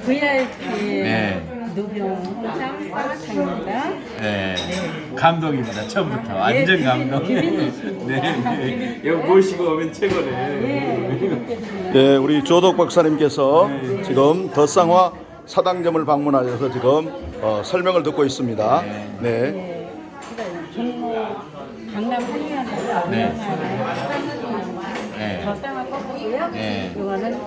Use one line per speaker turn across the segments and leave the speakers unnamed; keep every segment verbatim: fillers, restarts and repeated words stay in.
브이아이피
네.
노병상 빠마창입니다.
네. 감동입니다. 처음부터 완전
네,
감동.
기빈이십니다.
네, 네. 이거 모시고 오면 최고네.
네.
네, 우리 조덕 박사님께서 지금 덧상화 사당점을 방문하셔서 지금 어, 설명을 듣고 있습니다. 네.
네. 그러니까 종로 강남 한의원에서
네.
운영하는
네.
덧상화 꺾고요.
네.
이거는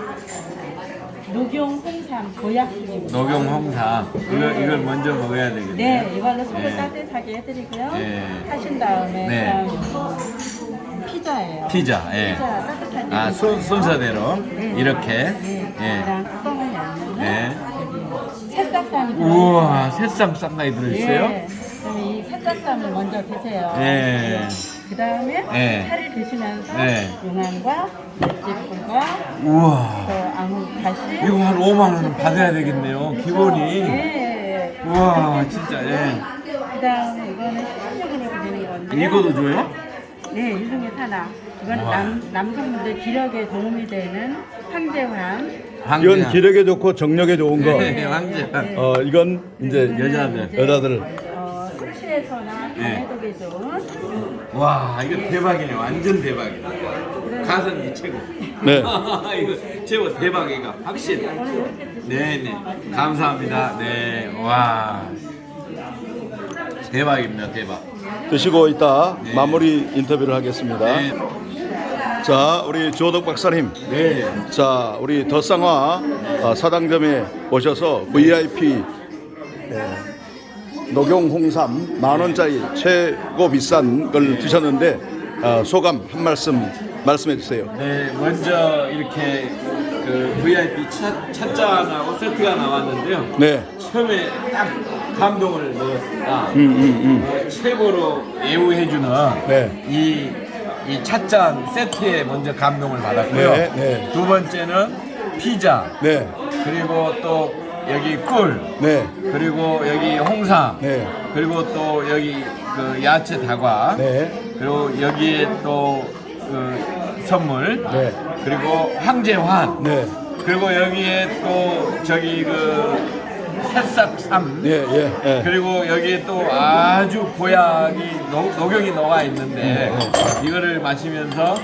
녹용 홍삼 보약술입니다.
녹용 홍삼. 이걸 이걸 먼저 먹어야 되겠네요.
네, 이걸로 속을
네.
따뜻하게 해드리고요.
네.
하신 다음에
네.
그다음 피자예요.
피자. 예.
피자 따뜻하게.
아, 순, 순서대로
네.
이렇게.
네.
예.
그다음 뚜껑을 열면
네.
새싹쌈이
우와, 새싹 쌍나이 들어있어요?
네. 그럼 이 새싹쌈을 먼저 드세요.
예.
그 다음에
네.
살을 드시면서
네.
용암과 맷집과
우와.
또 아무 다시
이거 한 오만 원 받아야 되겠네요. 기본이.
네.
우와, 진짜. 예.
그 다음에 이거는 식용으로 드리는 건데.
이거도 줘요?
네, 일종의 산화. 이건
우와.
남, 남성분들 기력에 도움이 되는 황제황.
이건 기력에 좋고 정력에 좋은 거.
네, 황제.
어, 이건 이제
여자들.
이제,
여자들.
어, 술취해서나
네.
간해독에 좋은
와, 이거 대박이네. 완전 대박이네. 가성비 최고.
네.
이거 최고 대박이가 확신. 네, 네. 감사합니다. 네. 와. 대박입니다. 대박.
드시고 있다
네.
마무리 인터뷰를 하겠습니다.
네.
자, 우리 조덕 박사님.
네.
자, 우리 덧상화 어, 사당점에 오셔서 브이아이피 예, 녹용 홍삼 만 원짜리 최고 비싼 걸 드셨는데 어, 소감 한 말씀 말씀해 주세요.
네, 먼저 이렇게 그 브이아이피 차, 찻잔하고 세트가 나왔는데요.
네.
처음에 딱 감동을 먹었습니다.
음, 음, 음.
어, 최고로 예우해주는
네.
이, 이 찻잔 세트에 먼저 감동을 받았고요.
네, 네.
두 번째는 피자,
네.
그리고 또 여기 꿀,
네.
그리고 여기 홍삼,
네.
그리고 또 여기 그 야채 다과,
네.
그리고 여기에 또 그 선물,
네.
그리고 황제환,
네.
그리고 여기에 또 저기 그 새싹삼,
예, 예, 예.
그리고 여기에 또 아주 보약이 녹, 녹용이 녹아 있는데
네,
이거를 마시면서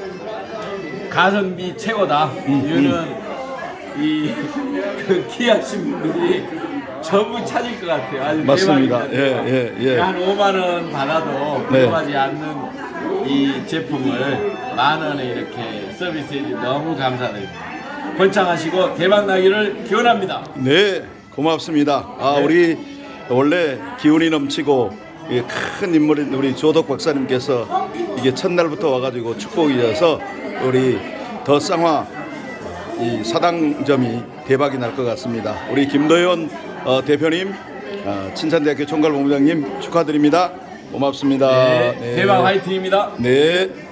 가성비 최고다. 이거는 이 그 귀하신 분들이 전부 찾을 것 같아요. 아주
맞습니다.
대박입니다.
예, 예, 예.
한 오만 원 받아도
네.
부족하지 않는 이 제품을 만 원에 이렇게 서비스해 주셔서 너무 감사드립니다. 번창하시고 대박 나기를 기원합니다.
네, 고맙습니다. 아,
네.
우리 원래 기운이 넘치고 이게 큰 인물인 우리 조덕 박사님께서 이게 첫날부터 와가지고 축복이어서 우리 덧상화 이 사당점이 대박이 날 것 같습니다. 우리 김도현 어, 대표님, 어, 친산대학교 총괄본부장님 축하드립니다. 고맙습니다.
네, 대박 화이팅입니다.
네.